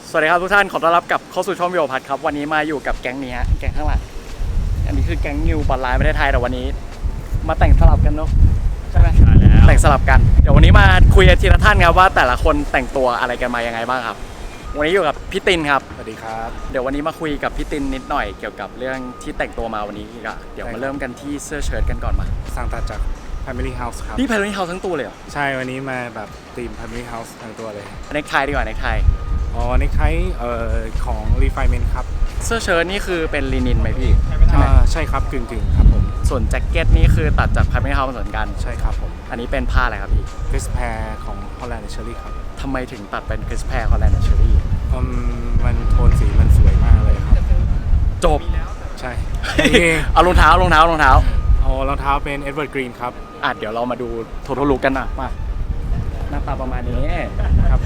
สวัสดีครับทุกท่านขอต้อนรับกับเข้าสู่ช่องวิวพัทครับวันนี้มาอยู่กับแก๊งนี้ฮะแก๊งข้างหลังอันนี้คือแก๊งนิวบอลไลน์ประเทศไทยแต่วันนี้มาแต่งสลับกันเนาะใช่ไหมใช่แล้วแต่งสลับกันเดี๋ยววันนี้มาคุยกันทีละท่านครับว่าแต่ละคนแต่งตัวอะไรกันมายังไงบ้างครับวันนี้อยู่กับพี่ตินครับสวัสดีครับเดี๋ยววันนี้มาคุยกับพี่ตินนิดหน่อยเกี่ยวกับเรื่องที่แต่งตัวมาวันนี้ก็เดี๋ยวมาเริ่มกันที่เสื้อเชิ้ตกันก่อนมาสั่งตัดจาก Family House ครับนี่ Family House ทั้งตัวเลยเหรอใช่วันนี้มาแบบธีม Family House ทั้งตัวเลยเนคไทดีกว่าเนคไทเนคไทของ Refinement ครับเสื้อเชิ้ตนี่คือเป็นลินินไหมพี่ใช่ไหมใช่ครับกึ่งครับผมส่วนแจ็คเก็ตนี่คือตัดจาก Family House เหมือนกันใช่ครับผมอันนี้เป็นผ้าอะไรครับพี่ Crisp Pair ของ Holland & Cherry ครับทำไมถึงตัดเป็น Crisp Pair Holland & Cherry มันโทนสีมันสวยมากเลยครับจบใช่เอารองเท้ารองเท้เป็น Edward Green ครับเดี๋ยวเรามาดูโททอลุกกันนะมาหน้าตาประมาณนี้ครับ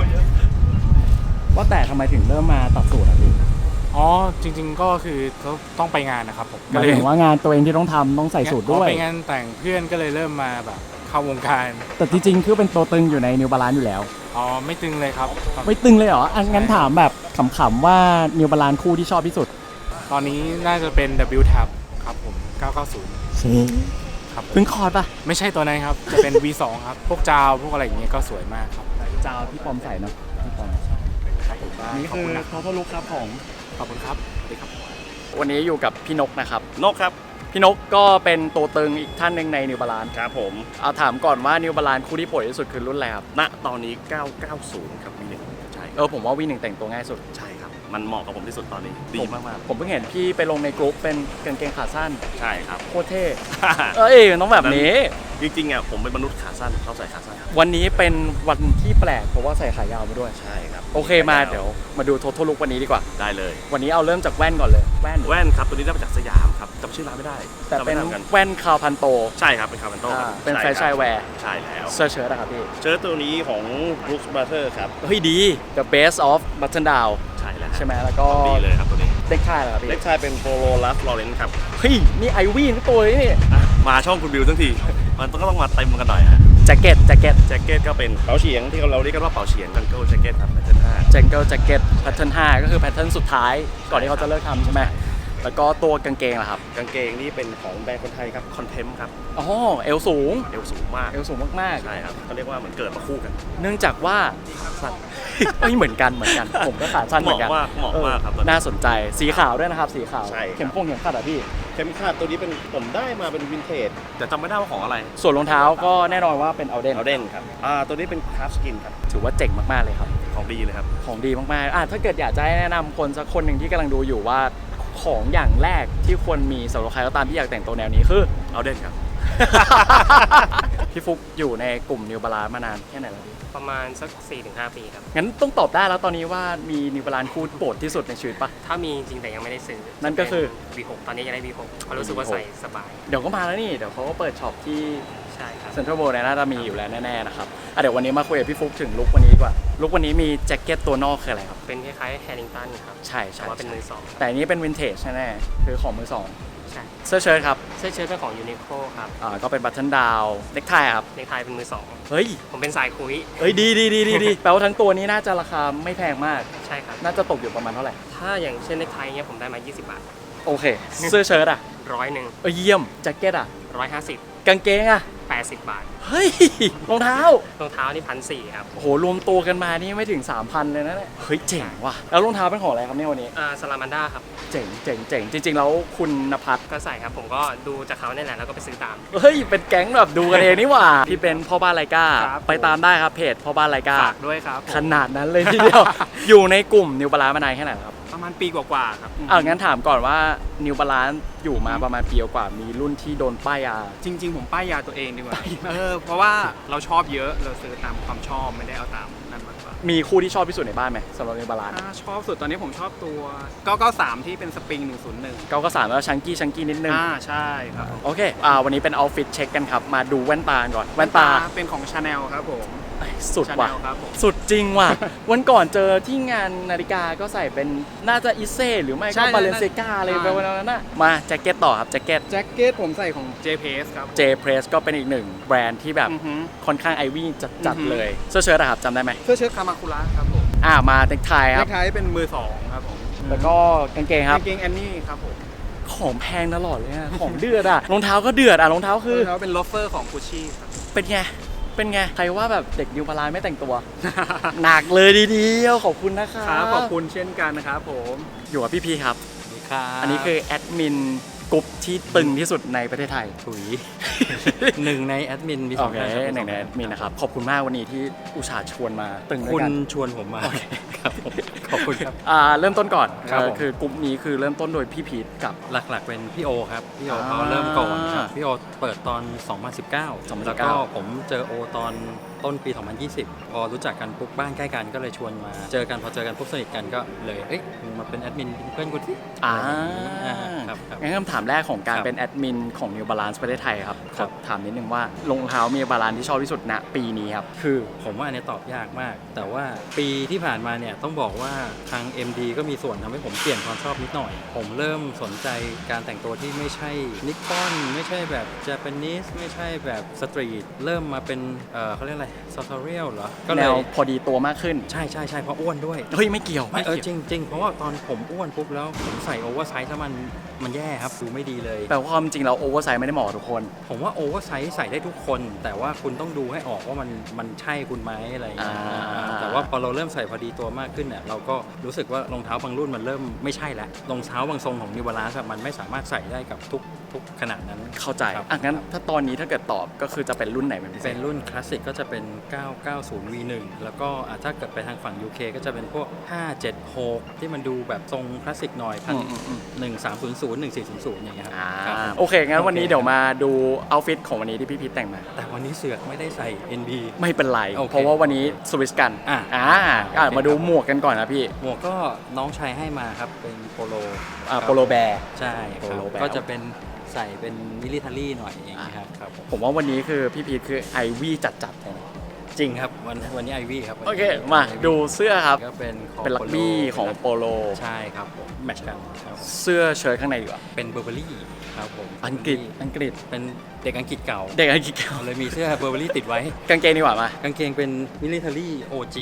ว่าแต่ทำไมถึงเริ่มมาตัดสูตรอ่ะพี่จริงๆก็คือต้องไปงานนะครับผมหมายถึงว่างานตัวเองที่ต้องทำต้องใส่สูตรด้วยไปงานแต่งเพื่อนก็เลยเริ่มมาแบบเข้าวงการแต่จริงๆคือเป็นตัวตึงอยู่ใน New Balance อยู่แล้วไม่ตึงเลยครับไม่ตึงเลยเหรองั้นถามแบบขำๆว่า New Balance คู่ที่ชอบที่สุดตอนนี้น่าจะเป็น W Tab ครับผม990ครับเพิ่งคอร์ดป่ะไม่ใช่ตัวนั้นครับจะเป็น V2 ครับพวกจาวพวกอะไรอย่างเงี้ยก็สวยมากครับจาวที่ปอมใส่เนาะพี่ปอมครับผมนี่คือโททอลุกครับผมขอบคุณครับสวัสดีครับวันนี้อยู่กับพี่นกนะครับนกครับพี่นกก็เป็นตัวตึงอีกท่านหนึ่งใน New Balance ครับผมเอาถามก่อนว่า New Balance คู่ที่โปรดที่สุดคือรุ่นอะไรครับณตอนนี้990ครับV1ใช่ผมว่า V1 แต่งตัวง่ายสุดใช่ครับมันเหมาะกับผมที่สุดตอนนี้ดีมากๆผมเพิ่งเห็นพี่ไปลงในกลุ่มเป็นกางเกงขาสั้นใช่ครับโคตรเท่มันต้องแบบนี้จริงๆผมเป็นมนุษย์ขาสั้นชอบใส่ขาสั้นวันนี้เป็นวันที่แปลกเพราะว่าใส่ขายาวมาด้วยใช่ครับโอเคมาเดี๋ยวมาดูโททอลุกวันนี้ดีกว่าได้เลยวันนี้เอาเริ่มจากแว่นก่อนเลยแว่นครับตัวนี้ได้มาจากสยามครับจำชื่อร้านไม่ได้แต่เป็นแว่นคาวพันโตใช่ครับเป็นคาวพันโตเป็นแฟชั่นแวร์ใช่แล้วเสื้อเชิ้ตนะครับพี่เชิ้ตตัวนี้ของ Brooks Brothers ครับเฮ้ยดี The Best of Button Down ใช่แล้วใช่ไหมแล้วก็ดีเลยครับตัวนี้เด็กชายเหรอพี่เด็กชายเป็น Polo Ralph Lauren ครับเฮ้ยนี่ไอวี่ทั้งตัวเลยนี่มาช่องคุณบิวทั้งทีมันก็ต้องมาเต็มกันหน่อยฮะแจ็คเก็ตก็เป็นเป๋าเฉียงที่เราเรียกกันว่าเป๋าเฉียง Jungle Jacket ครับ Pattern 5 Jungle Jacket Pattern 5ก็คือ Pattern สุดท้ายก่อนที่เขาจะเลิกทำใช่ไหมแล้วก็ตัวกางเกงล่ะครับกางเกงนี่เป็นของแบรนด์คนไทยครับ Contempt ครับเอวสูงมากใช่ครับเขาเรียกว่าเหมือนเกิดมาคู่กันเนื่องจากว่าสั้นเหมือนกันผมก็ขาสั้นเหมือนกันเหมาะมากครับน่าสนใจสีขาวด้วยนะครับสีขาวเข็มขัดอ่ะพี่เข็มขัดตัวนี้เป็นผมได้มาเป็นวินเทจแต่จำไม่ได้ว่าของอะไรส่วนรองเท้าก็แน่นอนว่าเป็นเอาเดนครับตัวนี้เป็นคราฟสกินครับถือว่าเจ๋งมากๆเลยครับของดีเลยครับของดีมากๆถ้าเกิดอยากจะให้แนะนำคนสักคนหนึ่งที่กำลังดูอยู่ว่าของอย่างแรกที่ควรมีสำหรับใครก็ตามที่อยากแต่งตัวแนวนี้คือเอาเดนครับพี่ฟุกอยู่ในกลุ่ม New Balance มานานแค่ไหนแล้วพี่ประมาณสัก 4-5 ปีครับงั้นต้องตอบได้แล้วตอนนี้ว่ามี New Balance คู่โปรดที่สุดในชีวิตปะถ้ามีจริงแต่ยังไม่ได้ซื้อนั่นก็คือ V6 ตอนนี้ยังได้ V6 เพราะรู้สึกว่าใส่สบายเดี๋ยวก็มาแล้วนี่เดี๋ยวเขาก็เปิดช็อปที่ใช่ครับเซ็นทรัลเวิลด์น่าจะมีอยู่แล้วแน่ๆนะครับเดี๋ยววันนี้มาคุยกับพี่ฟุกถึงลุควันนี้ดีกว่าลุควันนี้มีแจ็คเก็ตตัวนอกคืออะไรครับเป็นคล้ายๆแฮร์ริงตันครับใช่แต่ว่าเป็นมือสองแต่อันนี้เป็นวินเทจแน่ๆคือของมือสองใช่เสื้อเชิ้ตครับเสื้อเชิ้ตเป็นของยูนิโคลครับก็เป็นบัตเทิลดาวเน็กไทครับเน็กไทเป็นมือสองเฮ้ยผมเป็นสายคุยดีแปลว่าทั้งตัวนี้น่าจะราคาไม่แพงมากใช่ครับน่าจะตกอยู่ประมาณเท่าไหร่ถ้าอย่างเช่นเน็กไทเงี้ยผมได้มา20 บาทโอเคเสื้อเชิ้ต 100 เยี่ยมแจ็คเก็ต 150 กางเกง 80 บาทเฮ้ยรองเท้านี่1,400ครับโอ้โหรวมตัวกันมานี่ไม่ถึง 3,000 เลยนะเนี่ยเฮ้ยเจ๋งว่ะแล้วรองเท้าเป็นของอะไรครับเนี่ยวันนี้ซาลามันด้าครับเจ๋งจริงๆแล้วคุณณภัทรก็ใส่ครับผมก็ดูจากเขาเนี่ยแหละแล้วก็ไปซื้อตามเฮ้ยเป็นแก๊งแบบดูกันเองนี่หว่าพี่เป็นพ่อบ้านไลก้าไปตามได้ครับเพจพ่อบ้านไลก้าฝากด้วยครับขนาดนั้นเลยทีเดียวอยู่ในกลุ่ม New Balance มานานแค่ไหนครับประมาณปีกว่าๆครับงั้นถามก่อนว่า New Balance อยู่มาประมาณปีกว่ามีรุ่นที่โดนป้ายยาจริงๆผมป้ายยาตัวเองดีกว่าเพราะว่าเราชอบเยอะเราซื้อตามความชอบไม่ได้เอาตามนั่นมากกว่ามีคู่ที่ชอบที่สุดในบ้านไหมสำหรับ New Balance ชอบสุดตอนนี้ผมชอบตัว993ที่เป็นสปริง101 993แล้วชังกี้นิดนึงใช่ครับโอเควันนี้เป็นเอาท์ฟิตเช็คกันครับมาดูแว่นตาก่อนแว่นตาเป็นของ Chanel ครับผมสุดว่ะสุดจริงว่ะวันก่อนเจอที่งานนาฬิกาก็ใส่เป็นน่าจะอิเซ่หรือไม่ก็บาเลนเซกาอะไรไปวันนั้นน่ะมาแจ็คเก็ตต่อครับแจ็คเก็ตผมใส่ของ J Press ครับ J Press ก็เป็นอีกหนึ่งแบรนด์ที่แบบค่อนข้างไอวี่จัดเลยเสื้อเชิ้ตครับจำได้ไหมเสื้อเชิ้ตคามาคุระครับผมมาเน็กไทคเน็รับกไทเป็นมือ2ครับผมแล้วก็กางเกงครับกางเกงแอนนี่ครับผมของแพงตลอดเลยอะของเดือดอะรองเท้าก็เดือดอะรองเท้าคือแล้วเป็นลอฟเฟอร์ของกุชชี่ครับเป็นไง เป็นไง ใครว่าแบบเด็กนิวบาลานซ์ไม่แต่งตัว หนักเลยดีเดียวขอบคุณนะคะครับขอบคุณเช่นกันนะครับผมอยู่กับพี่พีครับครับอันนี้คือแอดมินกลุ่มที่ตึงที่สุดในประเทศไทยถุย หนึ่งในแอดมินมีสโอองเคท่านหนึ่งในแอดมินนะครับ ขอบคุณมากวันนี้ที่อุตส่าห์ชวนมาตึงด้คุวยณกันชวนผมมาครับผมขอบคุณครับเริ่มต้นก่อนครับผมคือกลุ่มนี้คือเริ่มต้นโดยพี่พีทกับหลักๆเป็นพี่โอครับ พี่โออ่าเขาเริ่มก่อนครับ พี่โอเปิดตอน 2019 แล้วก็ผมเจอโอตอนต้นปี 2020 พอรู้จักกันปุ๊บบ้านใกล้กันก็เลยชวนมา เจอกันพอเจอกันปุ๊บสนิทกันก็เลยเอ้ยมึงมาเป็นแอดมินเป็นเพื่อนกูที่ ครับครับงั้นคำถามแรกของการครับเป็นแอดมินของ New Balance ประเทศไทยครับขครัอบ ถามนิดนึงว่ารองเท้า New Balance ที่ชอบที่สุดณปีนี้ครับคือผมว่าอันนี้ตอบยากมาก แต่ว่าปีที่ผ่านมาเนี่ยต้องบอกว่าทาง MD ก็มีส่วนทำให้ผมเปลี่ยนความชอบนิดหน่อย ผมเริ่มสนใจการแต่งตัวที่ไม่ใช่นิปปอนไม่ใช่แบบ Japanese ไม่ใช่แบบสตรีทเริ่มมาเป็นเขาเรียกอะไรซอทเรียลเหรอก็แนเลยวพอดีตัวมากขึ้นใช่เพราะอ้วนด้วยเฮ้ย ไม่เกี่ยวไม่จริง เพราะว่าตอนผมอ้วนปุ๊บแล้วผมใส่โอเวอร์ไซส์แล้วมันแย่ครับดูไม่ดีเลยแปลว่าความจริงเราโอเวอร์ไซส์ไม่ได้เหมาะกับทุกคนผมว่าโอเวอร์ไซส์ใส่ได้ทุกคน แต่ว่าคุณต้องดูให้ออกว่ามันใช่คุณไหมอะไรอย่างเงี้ย แต่ว่าพอเราเริ่มใส่พอดีตัวมากขึ้นเนี่ยเราก็รู้สึกว่ารองเท้าบางรุ่นมันเริ่มไม่ใช่แล้วรองเท้าบางทรงของ New Balance มันไม่สามารถใส่ได้กับทุกขนาดนั้นเข้าใจครับงั้นถ้าตอนนี้ถ้าเกิดตอบก็คือจะเป็นรุ่นไหนเป็นพิเศเป็ษนรุ่นคลาสสิกก็จะเป็น 990 V1 แล้วก็ถ้าเกิดไปทางฝั่ง UK ก็จะเป็นพวก 576 ที่มันดูแบบทรงคลาสสิกหน่อยพัน 1300 1400 อย่างเงี้ยครับครับผมโอเค งั้นวันนี้เดี๋ยวมาดูเอาท์ฟิตของวันนี้ที่พี่พีทแต่งมาแต่วันนี้เสือกไม่ได้ใส่ NB ไม่เป็นไรโอเคเพราะว่าวันนี้สวิสกันโอเคมาดูหมวกกันก่อนนะพี่หมวกก็น้องชายให้มาครับเป็นโปโลโปโลแบร์ใช่คโปรับโลแบร์ก็จะเป็นใส่เป็นมิลิเทอรี่หน่อยอย่างนี้ครับครับผมผมว่าวันนี้คือพี่พีทคือไอวี่จัดๆเลยนะจริงครับวันนี้ไอวี่ครับโอเค มาดูเสื้อครับก็เป็นเป็นลักบี้ของโปโลใช่ครับผมแมทช์กันครับผมเสื้อเชิ้ตข้างในดีกว่าเป็นเบอร์เบอรี่ครับผมอังกฤษเป็นเด็กอังกฤษเก่าเด็กอังกฤษเก่าเลยมีเสื้อเบอร์เบอรี่ติดไว้กางเกงดีกว่ามากางเกงเป็นมิลิเทอรี่ OG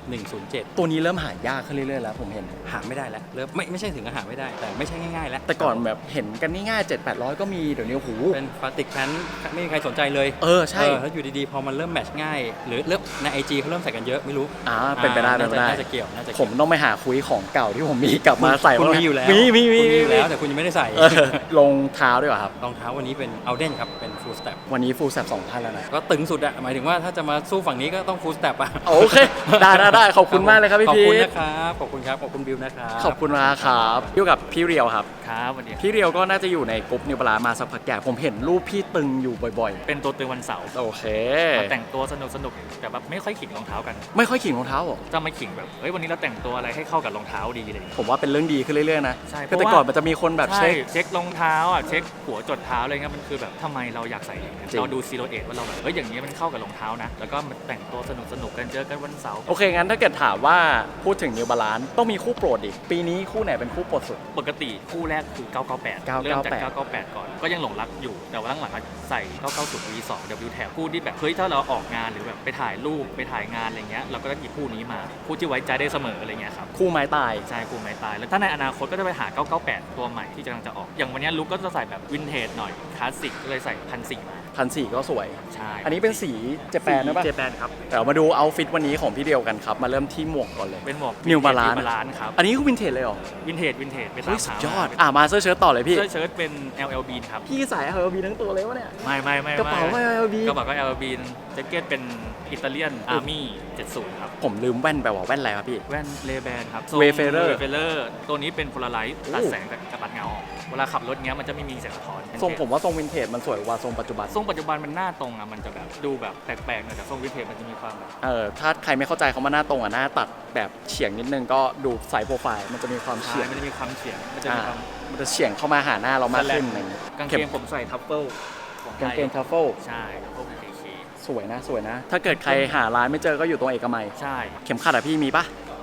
107 ตัวนี้เริ่มหายากขึ้นเรื่อยๆแล้วผมเห็นหาไม่ได้แล้วเริ่มไม่ใช่ถึงกับหาไม่ได้ แต่ไม่ใช่ง่ายๆแล้วแต่ก่อนแบบเห็นกันง่ายๆ700-800 ก็มีเดี๋ยวนี้โอ้โหเป็นพลาสติกแพนไม่มีใครสนใจเลยใช่แล้วอยู่ดีๆ พอมันเริ่มแมทช์ง่าย หรือเริ่มใน IG เขาเริ่มใส่กันเยอะไม่รู้เป็นไปได้เป็นไปได้น่าจะเกี่ยวผมต้องไปหาคุยของเก่าที่ผมมีกลับมาใส่คุณบ้างมีอยู่แล้วมีคุณมีอยู่แล้วแต่คุณยังไม่ได้ใส่รองเท้าด้วยเหรอครับรองเท้าวันนี้เป็นเอาเดนครับเป็น full step วันนี้ฟูลแซบ2,000แล้วนะก็ตึงสุดอะหมายถึงว่าถ้าจะมาสู้ฝั่งนี้ก็ต้อง full step อะโอเค ได้ขอบคุณมากเลยครับพี่ขอบพีคุณทนะครับขอบคุณครับขอบคุณบิวนะครับขอบคุณมากครับอยู่กับพี่เรียวครับครับวันนี้พี่เรียวก็น่าจะอยู่ในกลุ่มนิวบาลานซ์มาสักพักใหญ่ผมเห็นรูปพี่ตึงอยู่บ่อยเป็นตัวตึงวันเสาร์ๆ โอเคมาแต่งตัวสนุกแต่แบบไม่ค่อยขิงรองเท้ากันไม่ค่อยขิงรองเท้าเหรอจะไม่ขิงแบบเฮ้ยวันนี้เราแต่งตัวอะไรให้เข้ากับรองเท้าดีเลยผมว่าเป็นเรื่องดีขึ้นเรื่อยๆนะใช่คือแต่เพราะว่าก่อนมันจะมีคนแบบใช่เช็ครองเท้าอ่ะเช็คหัวจดเท้าอะไรเงี้ยมันคือแบบทำไมเราอยากใส่อย่างเงี้ยจริงเราดูซีโรเอทว่าเราแบบเฮ้ยอย่างนี้ยมันเข้ากับรองเท้านะ แล้วก็มาแต่งตัวสนุกกันเจอกันวันเสาร์โอเค งั้นถ้าเกิดถามว่าพูดถึงนิวบาลานซ์ต้องมีคู่โปรดอีก ปีนี้คู่ไหนเป็นคู่โปรดสุดปกติคู่แรกคือ 998 เริ่มจาก 998 ก่อน ก็ยังหลงรักอยู่ แต่ว่าหลังๆใส่ 990 V2 W Tab คู่ที่แบบเฮ้ยถ้าเราออกงานหรือแบบไปถ่ายรูปไปถ่ายงานอะไรเงี้ยเราก็จะหยิบคู่นี้มาคู่ที่ไว้ใจได้เสมออะไรเงี้ยครับคู่ไม้ตายใช่คู่ไม้ตายแล้วถ้าในอนาคตก็จะไปหา 998 ตัวใหม่ที่กำลังจะออก อย่างวันนี้ลุคก็จะใส่แบบวินเทจหน่อยคลาสสิกก็เลยใส่1,400มา 1,400ก็สวยใช่อันนี้เป็นสีเจแปนนะป่ะเจแปนครับเดี๋ยวมาดูเอาท์ฟิตวันนี้ของพี่เดียวกันครับ มาเริ่มที่หมวกก่อนเลยเป็นหมวก New Balance บาลานครับอันนี้คือวินเทจเลยเหรอวินเทจไปเฮ้ตาย มสุดหายอด มาเสื้อเชิ้ตต่อเลยพี่เสื้อเชิ้ตเป็น LL Bean ครับพี่ใส่ LB ทั้งตัวเลยวะเนี่ยไม่กระเป๋าก็ LB กระเป๋าก็ LL Bean แจ็คเก็ตเป็นอิตาเลียนอาร์มี่70 ครับผมลืมแว่นไปว่าแว่นอะไรครับพี่แว่นเลแบนครับ Wayfarer เฟเลอร์ตัวนี้เป็นโพลาไรต์ตัดแสงกับตัดเงาออกเวลาขับรถเงี้ยมันจะไม่มีแสงสะท้อนทรงผมว่าทรงวินเทจมันสวยกว่าทรงปัจจุบันทรงปัจจุบันมันหน้าตรงอ่ะมันจะแบบดูแบบแปลกๆหน่อยแต่ทรงวินเทจมันจะมีความแบบถ้าใครไม่เข้าใจเขามาหน้าตรงหน้าตัดแบบเฉียงนิดนึงก็ดูไซส์โปรไฟล์มันจะมีความเฉียงมันจะมีความเฉียงมันจะมีความมันจะเฉียงเข้ามาหาหน้าเรามากขึ้นแสลงอะไรอย่างเงี้ยกางเกงผมใส่ทัฟเฟิลของไทกางยเกงทัฟเฟิลใช่ทัฟเฟิล KK สวยนะ ถ้าเกิดใครหาร้านไม่เจอก็อยู่ตรงเอกมัยใช่เข็มขัดอะพี่มีปะ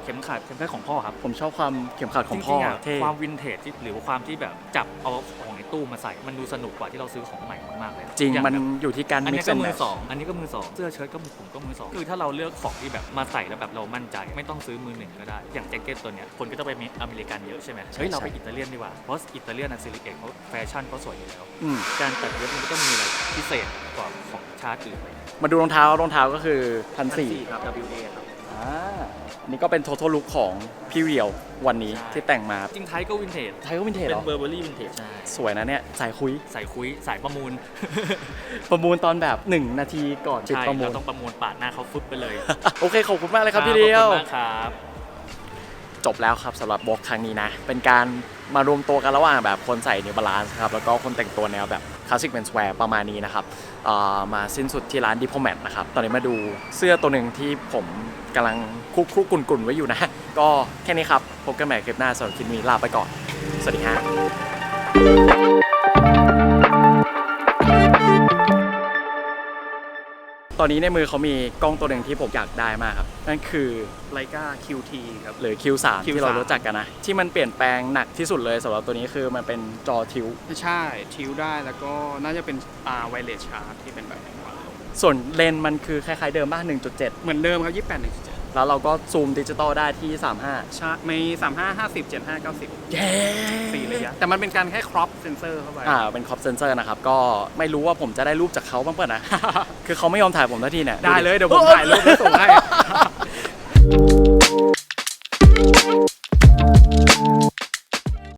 เข็มขัดของพ่อครับผมชอบความเข็มขัดของจพ่อริงๆอะเท่ความวินเทจที่หรือว่าความที่แบบจับเอาของในตู้มาใส่มันดูสนุกกว่าที่เราซื้อของใหม่มากๆเลยจริงอย่ามันแบบอยู่ที่การอัน mix นี้ก็ and มือ match สองอันนี้ก็มือสองเสื้อเชิ้ตก็ผมก็มือสองคือถ้าเราเลือกของที่แบบมาใส่แล้วแบบเรามั่นใจไม่ต้องซื้อมือหนึ่งก็ได้อย่างแจ็คเก็ตตัวเนี้ยคนก็จะไปอเมริกันเยอะใช่ไหมเฮ้ยเราไปอิตาเลียนดีกว่าเพราะอิตาเลียนซิลิเกตเขาแฟชั่นเขาสวยอยู่แล้วอืมการตัดเย็บมันก็ต้องมีอะไรพิเศษกว่าของชาติอื่นไปมาดูรองเท้ก็คือ1,400 ครับ WA ครับอันนี้ก็เป็น total look ของพี่เรียววันนี้ใช่ที่แต่งมาจริงไทยก็วินเทจไทยก็วินเทจเป็เหรนอเบอร์เบอรี่วินเทจใช่สวยนะเนี่ยสายคุยสายคุยสายประมูลประมูลตอนแบบ 1 นาทีก่อนปิดใช่ประมูเราลต้องประมูลปาดหน้าเขาฟึบไปเลยโอเค ขอบคุณมากเลยครับพี่เรียวขอบคุณมากครับจบแล้วครับสำหรับบล็อกครั้งนี้นะ เป็นการมารวมตัวกันระหว่างแบบคนใส่ New Balance ครับแล้วก็คนแต่งตัวแนวแบบคลาสสิก menswear ประมาณนี้นะครับมาสิ้นสุดที่ร้าน Diplomat นะครับ ตอนนี้มาดูเสื้อตัวหนึ่งที่ผมกำลังคุกกุ่นๆไว้อยู่นะ ก็แค่นี้ครับ พบกันใหม่คลิปหน้าสำหรับคลิปนี้ลาไปก่อน สวัสดีฮะตอนนี้ในมือเขามีกล้องตัวหนึ่งที่ผมอยากได้มากครับนั่นคือ Leica QT ครับหรือ Q3 ที่เรารู้จักกันนะ ที่มันเปลี่ยนแปลงหนักที่สุดเลยสำหรับตัวนี้คือมันเป็นจอทิวใช่ทิวได้แล้วก็น่าจะเป็นไวเลสชาร์จที่เป็นแบบนี้ส่วนเลนส์มันคือคล้ายๆเดิมบ้าง 1.7 เหมือนเดิมครับ 28 1.7 แล้วเราก็ซูมดิจิตอลได้ที่ใช่มี35 50 75 90 35 เย้ 4ระยะแต่มันเป็นการแค่ครอปเซนเซอร์เข้าไปเป็นคอปเซนเซอร์นะครับ ก็ไม่รู้ว่าผมจะได้รูปจากเขาบ้างเปล่านะ คือเขาไม่ยอมถ่ายผมทันทีเนี่ยได้เลยเดี๋ยวผมถ่ายรูปแล้วส่งให้